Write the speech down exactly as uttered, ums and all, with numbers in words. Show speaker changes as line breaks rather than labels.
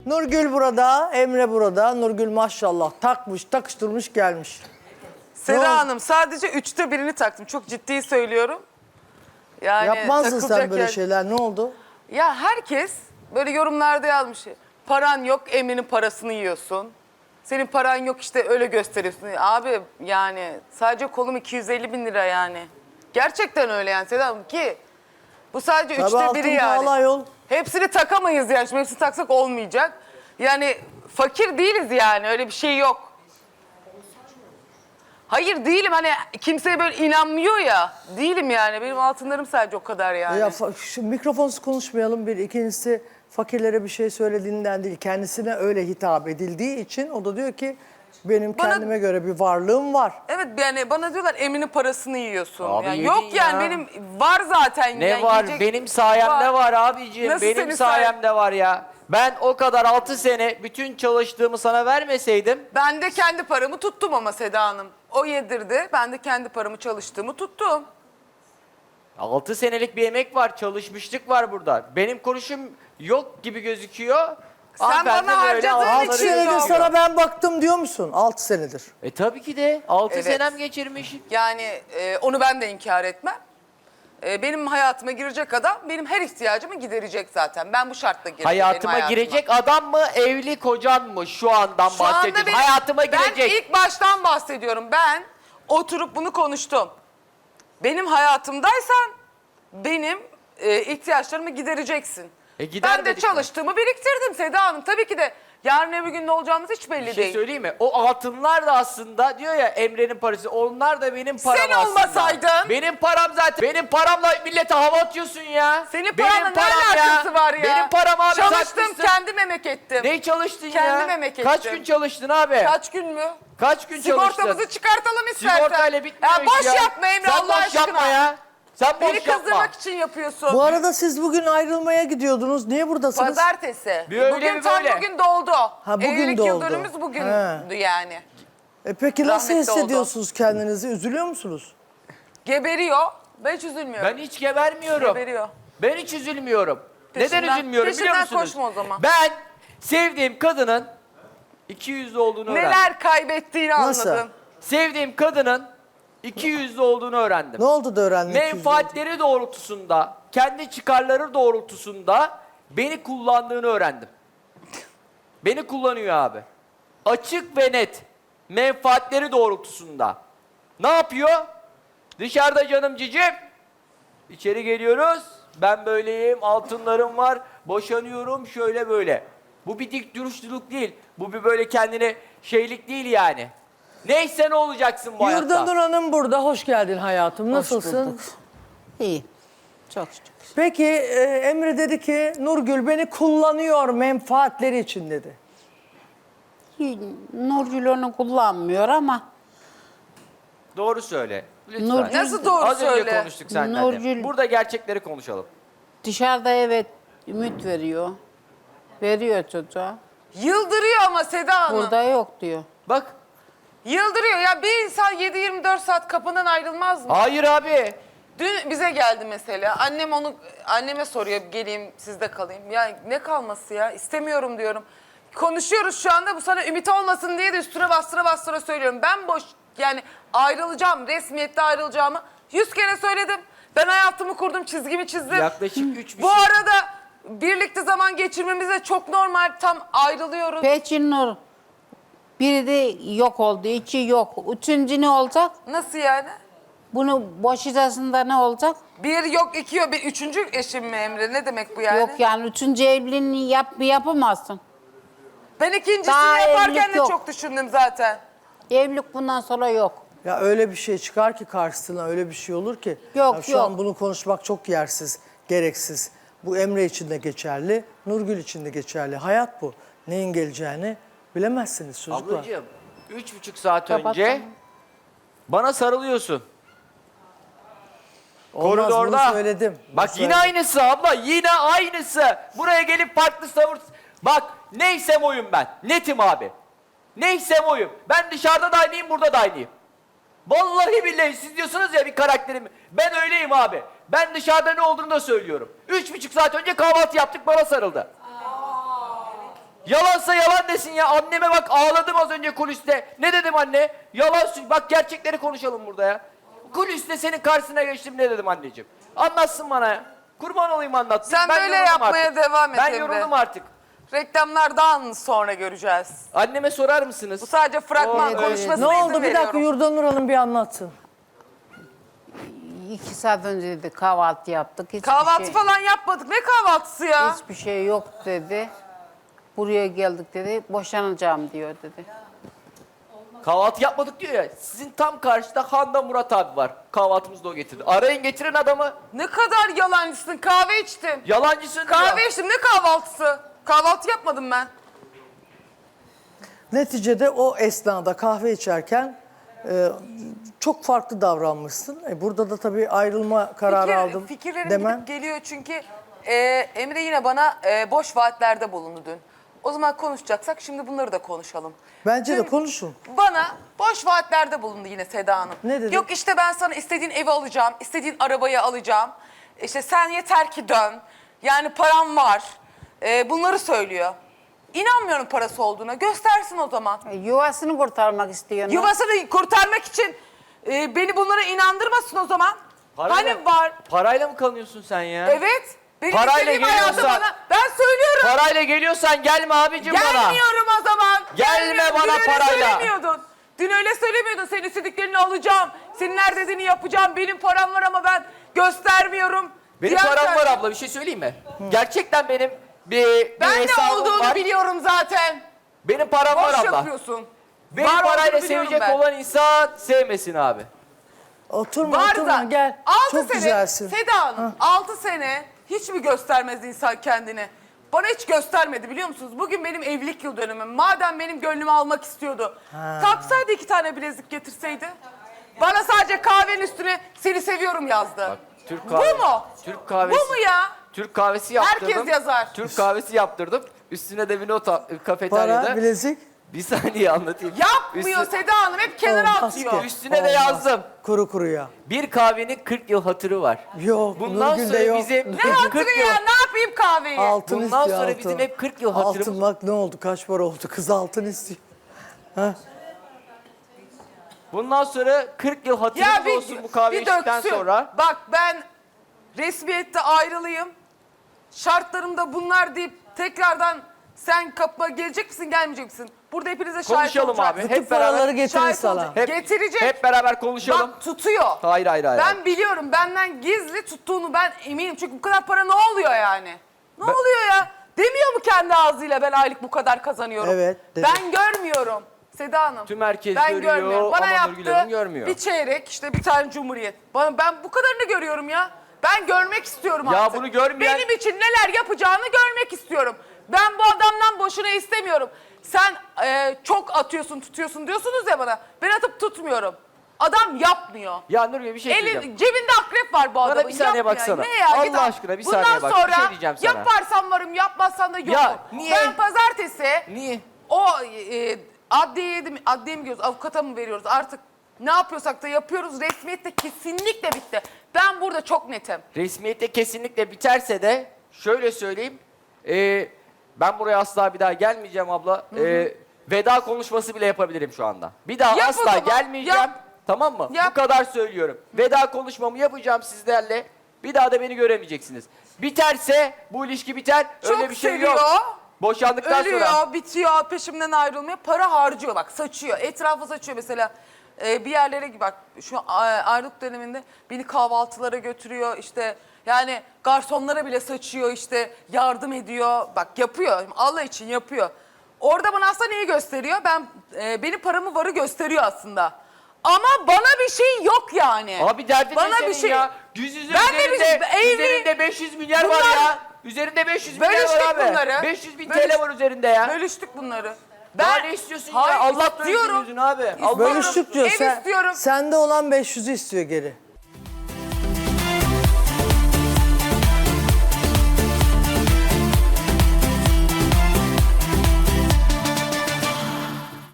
Nurgül burada, Emre burada. Nurgül maşallah takmış, takıştırmış gelmiş.
Seda Hanım sadece üçte birini taktım. Çok ciddi söylüyorum. Yani
Yapmazdın sen
takılacak
böyle
yer-
şeyler. Ne oldu?
Ya herkes böyle yorumlarda yazmış. Paran yok, Emre'nin parasını yiyorsun. Senin paran yok işte öyle gösteriyorsun. Abi yani sadece kolum iki yüz elli bin lira yani. Gerçekten öyle yani Seda Hanım ki bu sadece
Tabii
üçte
altın
biri yani.
pahalı ayol.
Hepsini takamayız yani. Şimdi hepsini taksak olmayacak. Yani fakir değiliz yani öyle bir şey yok. Hayır değilim hani kimseye böyle inanmıyor ya. Değilim yani benim altınlarım sadece o kadar yani.
Ya fa- şu mikrofonsuz konuşmayalım bir. İkincisi fakirlere bir şey söylediğinden değil. Kendisine öyle hitap edildiği için o da diyor ki benim
Bana-
kendime göre bir varlığım var.
Evet yani bana diyorlar Emre'nin parasını yiyorsun.
Abi
yani
yedin
yok
ya.
yani benim var zaten.
Ne
yani
var?
yiyecek-
Benim sayemde var, abiciğim.
Nasıl
Benim
senin
sayemde var ya. Ben o kadar altı sene bütün çalıştığımı sana vermeseydim.
Ben de kendi paramı tuttum ama Seda Hanım. O yedirdi. Ben de kendi paramı çalıştığımı tuttum.
altı senelik bir emek var, çalışmışlık var burada. Benim konuşum yok gibi gözüküyor.
Sen
Hanımefendi
bana
böyle
harcadığın
altı
için
altı
yok.
senedir
yok.
sana ben baktım diyor musun? altı senedir.
E tabii ki de altı
Evet.
senem geçirmiş.
Yani e, onu ben de inkar etmem. E, benim hayatıma girecek adam benim her ihtiyacımı giderecek zaten. Ben bu şartla girdim
Hayatıma
benim hayatıma.
girecek adam mı, evli kocan mı? Şu andan
Şu anda
bahsediyorum.
benim-
Hayatıma girecek.
Ben ilk baştan bahsediyorum. Ben oturup bunu konuştum. Benim hayatımdaysan benim e, ihtiyaçlarımı gidereceksin.
E, gider
ben de
dedik mi?
çalıştığımı biriktirdim Seda Hanım. Tabii ki de yarın öbür gün ne olacağımız hiç belli
Bir şey
değil.
söyleyeyim mi? O altınlar da aslında diyor ya Emre'nin parası. Onlar da benim param
Sen
aslında.
olmasaydın-
Benim param zaten. Benim paramla millete hava atıyorsun ya.
Senin
Benim
paranla ne
param
alakası var ya?
Benim param abi.
Çalıştım,
takmışsın.
kendim emek ettim.
Ne çalıştın
Kendim
ya?
emek
Kaç
ettim.
gün çalıştın abi?
Kaç gün mü?
Kaç gün
Sigortamızı
çalıştın?
çıkartalım istersen.
Sigortayla bitmiyor
Ya boş
iş ya.
yapma Emre
Sen
Allah
boş
aşkına.
yapma ya. Sen boş
Beni
yapma.
kızdırmak için yapıyorsun.
Bu arada siz bugün ayrılmaya gidiyordunuz. Niye buradasınız?
Pazartesi.
Bir öyle
bugün
bir
tam
böyle.
bugün doldu.
Ha, bugün
Evlilik
doldu.
yıl dönümümüz bugündü yani.
E peki nasıl
Rahmetli oldu.
hissediyorsunuz kendinizi? Üzülüyor musunuz?
Geberiyor. Ben hiç üzülmüyorum.
Ben hiç gebermiyorum.
Geberiyor.
Ben hiç üzülmüyorum.
Peşinden-
Neden üzülmüyorum biliyor
peşinden
musunuz?
koşma o zaman.
Ben sevdiğim kadının iki yüzlü olduğunu öğrendim.
Neler kaybettiğini
Nasıl?
anladım.
Sevdiğim kadının iki yüzlü olduğunu öğrendim.
Ne oldu da öğrendin?
Menfaatleri doğrultusunda, kendi çıkarları doğrultusunda beni kullandığını öğrendim. Beni kullanıyor abi. Açık ve net. Menfaatleri doğrultusunda. Ne yapıyor? Dışarıda canım cicim. İçeri geliyoruz. Ben böyleyim, altınlarım var. Boşanıyorum şöyle böyle. Bu bir dik duruşluluk değil. Bu bir böyle kendine şeylik değil yani. Neyse ne olacaksın bu hayatta.
Yurdanur Hanım burada. Hoş geldin hayatım. Nasılsın?
İyi. Çok şükür.
Peki e, Emre dedi ki Nurgül beni kullanıyor menfaatleri için dedi.
Nurgül onu kullanmıyor ama
Doğru söyle. Lütfen.
Nurgül-
Nasıl doğru
Az önce
söyle?
konuştuk seninle.
Nurgül-
Burada gerçekleri konuşalım.
dışarıda evet ümit veriyor. Veriyor çocuğa.
Yıldırıyor ama Seda Hanım.
Burada yok diyor.
Bak.
Yıldırıyor. Ya bir insan yedi yirmi dört saat kapından ayrılmaz mı?
Hayır abi.
Dün bize geldi mesela. Annem onu anneme soruyor geleyim sizde kalayım. Ya ne kalması ya? İstemiyorum diyorum. Konuşuyoruz şu anda bu sana ümit olmasın diye de üstüne bastıra bastıra söylüyorum. Ben boş yani ayrılacağım resmiyette ayrılacağımı yüz kere söyledim. Ben hayatımı kurdum çizgimi çizdim.
Yaklaşık üç bir
Bu
şey-
arada birlikte zaman geçirmemiz de çok normal tam ayrılıyoruz.
Peki Nur biri de yok oldu, iki yok. Üçüncü ne olacak?
Nasıl yani?
Bunu boşayacağında ne olacak?
Bir yok iki yok bir üçüncü eşim mi Emre ne demek bu yani?
Yok yani üçüncü evliliğini yap, yapamazsın.
Ben ikincisini
Daha
yaparken
evlilik
de
yok.
çok düşündüm zaten.
Evlilik bundan sonra yok.
Ya öyle bir şey çıkar ki karşısına öyle bir şey olur ki.
Yok,
ya şu
yok.
an bunu konuşmak çok yersiz, gereksiz. Bu Emre için de geçerli, Nurgül için de geçerli. Hayat bu. Neyin geleceğini bilemezsiniz çocuklar.
Ablacığım üç buçuk saat
Kapat
önce
tamam.
bana sarılıyorsun.
Olmaz, bunu
Koridorda.
söyledim. Bunu
Bak yine
söyledim.
aynısı abla. Yine aynısı. Buraya gelip farklı savur. Bak neysem oyum ben. Netim abi. Neysem oyum. Ben dışarıda da aynıyım, burada da aynıyım. Vallahi billahi siz diyorsunuz ya bir karakterim. Ben öyleyim abi. Ben dışarıda ne olduğunu da söylüyorum. Üç buçuk saat önce kahvaltı yaptık bana sarıldı. Yalansa yalan desin ya. Anneme bak ağladım az önce kuliste. Ne dedim anne? Yalan sü- Bak gerçekleri konuşalım burada ya. Kuliste senin karşısına geçtim ne dedim anneciğim? Anlatsın bana ya. Kurban olayım anlatsın.
Sen böyle
yoruldum
yapmaya
artık.
devam et
Ben
Emre.
yoruldum artık.
Reklamlardan sonra göreceğiz.
Anneme sorar mısınız?
Bu sadece fragman
Evet,
konuşmasına
Ne
izin
oldu? Bir dakika
veriyorum.
Yurdanur Hanım bir anlatsın.
İki saat önce dedi kahvaltı yaptık. Hiçbir
Kahvaltı
şey,
falan yapmadık. Ne kahvaltısı ya?
Hiçbir şey yok dedi. Buraya geldik dedi. Boşanacağım diyor dedi.
Kahvaltı yapmadık diyor ya. Sizin tam karşıda Handa Murat abi var. Kahvaltımızı da o getirdi. Arayın getirin adamı.
Ne kadar yalancısın. Kahve içtim.
Yalancısın diyor.
Kahve içtim. Ne kahvaltısı? Kahvaltı yapmadım ben.
Neticede o esnada kahve içerken e, çok farklı davranmışsın. E, burada da tabii ayrılma kararı
Fikir-
aldım
Fikirlerim
demen.
gidip geliyor çünkü e, Emre yine bana e, boş vaatlerde bulundu dün. O zaman konuşacaksak şimdi bunları da konuşalım.
Bence de
Dün
konuşun.
Bana boş vaatlerde bulundu yine Seda Hanım.
Ne dedi?
Yok işte ben sana istediğin evi alacağım, istediğin arabayı alacağım. İşte sen yeter ki dön. Yani param var. E, bunları söylüyor. İnanmıyorum parası olduğuna. Göstersin o zaman.
E, Yuvasını kurtarmak istiyor.
Yuvasını kurtarmak için e, beni bunlara inandırmasın o zaman.
Parayla-
Hani var?
Parayla mı kanıyorsun sen ya?
Evet. Benim
Parayla
istediğim hayatı
geliyorsan-
bana. Ben söylüyorum.
Parayla geliyorsan gelme abicim bana.
Gelmiyorum o zaman.
Gelme
Gelmiyorum.
bana
Dün öyle
parayla.
söylemiyordun. Dün öyle söylemiyordun. Senin istediklerini alacağım. Senin her dediğini yapacağım. Benim param var ama ben göstermiyorum.
Benim
Diğer
param var
sen-
abla bir şey söyleyeyim mi? Gerçekten benim bir, bir
Ben ne
hesabım
olduğunu
var.
biliyorum zaten.
Benim param var
Boş
abla.
yapıyorsun.
Benim
Var olduğunu
parayla
biliyorum
sevecek
ben.
olan insan sevmesin abi.
Oturma
Var
oturma
da
gel.
altı
Çok
sene
güzelsin.
Seda Hanım altı sene hiç mi göstermez insan kendini? Bana hiç göstermedi biliyor musunuz? Bugün benim evlilik yıl dönümüm. Madem benim gönlümü almak istiyordu. Taksaydı iki tane bilezik getirseydi. Bana sadece kahvenin üstüne seni seviyorum yazdı.
Türk
Bu mu?
Türk kahvesi.
Bu mu ya?
Türk kahvesi yaptırdım.
Herkes yazar.
Türk kahvesi yaptırdım. Üstüne de bir not al- kafeteryada.
Para, bilezik.
Bir saniye anlatayım.
Yapmıyor
Üstü-
Seda Hanım hep kenara
Olmaz
atıyor.
ki.
Üstüne de
Olmaz.
yazdım.
Kuru kuruya.
Bir kahvenin kırk yıl hatırı var.
Yok,
Bundan
Nurgül'de
sonra
yok.
bizim
Ne
kırk
hatırı
yıl
ya? Ne yapayım kahveyi?
Altın
Bundan
istiyor
sonra
altın.
bizim hep kırk yıl hatırımız-
Altın bak ne oldu? Kaç para oldu? Kız altın istiyor.
Bundan sonra kırk yıl hatırımız
Ya bir,
olsun bu kahve
bir
içtikten
döksün.
sonra.
Bak ben resmiyette ayrılıyım. Şartlarımda bunlar deyip tekrardan sen kapıma gelecek misin gelmeyecek misin? Burada hepinize şahit
Konuşalım
olacak.
abi.
Bütün
Hep beraber-
paraları getirir
Şahit
sana.
olacak.
Hep,
Getirecek.
Hep beraber konuşalım.
Bak tutuyor.
Hayır hayır hayır.
Ben biliyorum benden gizli tuttuğunu ben eminim. Çünkü bu kadar para ne oluyor yani? Ne
Ben-
oluyor ya? Demiyor mu kendi ağzıyla ben aylık bu kadar kazanıyorum?
Evet, dedi.
Ben görmüyorum. Seda Hanım.
Tüm herkes
ben
görüyor
görmüyorum. Bana
ama Nurgül Hanım
yaptı
görmüyor.
bir çeyrek işte bir tane cumhuriyet. Bana, ben bu kadarını görüyorum ya. Ben görmek istiyorum
Ya
artık.
bunu görmeyen-
Benim için neler yapacağını görmek istiyorum. Ben bu adamdan boşuna istemiyorum. Sen e, çok atıyorsun tutuyorsun diyorsunuz ya bana. Ben atıp tutmuyorum. Adam yapmıyor.
Ya Nurgül bir şey söyleyeceğim.
Elin, cebinde akrep var bu adamın.
bir saniye
Yapmıyor.
baksana.
Ne ya?
Allah
Git al.
aşkına bir
Bundan
saniye bak. Bir
sonra
şey diyeceğim sana.
yaparsan varım yapmazsan da yokum.
Ya, niye?
Ben pazartesi
Niye?
o e, adliyeye mi, adliye mi gidiyoruz, avukata mı veriyoruz artık ne yapıyorsak da yapıyoruz. Resmiyette kesinlikle bitti. Ben burada çok netim.
Resmiyette kesinlikle biterse de şöyle söyleyeyim. e, ben buraya asla bir daha gelmeyeceğim abla. E, veda konuşması bile yapabilirim şu anda. Bir daha
Yap o
asla
zaman,
gelmeyeceğim.
yap.
Tamam mı?
Yap.
Bu kadar söylüyorum. Veda konuşmamı yapacağım sizlerle. Bir daha da beni göremeyeceksiniz. Biterse bu ilişki biter.
Çok
Öyle bir şey
seviyor.
yok. Boşandıktan
Ölüyor,
sonra.
bitiyor, peşimden ayrılmıyor. Para harcıyor bak, saçıyor. Etrafa saçıyor mesela. Ee, bir yerlere bak, şu a- ayrılık döneminde beni kahvaltılara götürüyor. İşte yani garsonlara bile saçıyor işte, yardım ediyor. Bak yapıyor, Allah için yapıyor. Orada bana aslında neyi gösteriyor? Ben e, benim paramı varı gösteriyor aslında. Ama bana bir şey yok yani.
Abi derdin
bana
ne senin
bir şey
ya? Yüz yüze
Ben de bir
üzerinde,
şey-
üzerinde beş yüz milyar var
Bunlar-
ya. Üzerinde beş yüz milyar
Bölüştük
var abi.
bunları.
beş yüz bin
Bölüş-
T L var üzerinde ya.
Bölüştük bunları.
Daha ne istiyorsun ya? Allah
istiyorum.
doyursun yüzünü abi. Allah
İstiyorum.
Bölüştük diyor.
Ev
Sen,
istiyorum.
sende olan beş yüzü istiyor geri.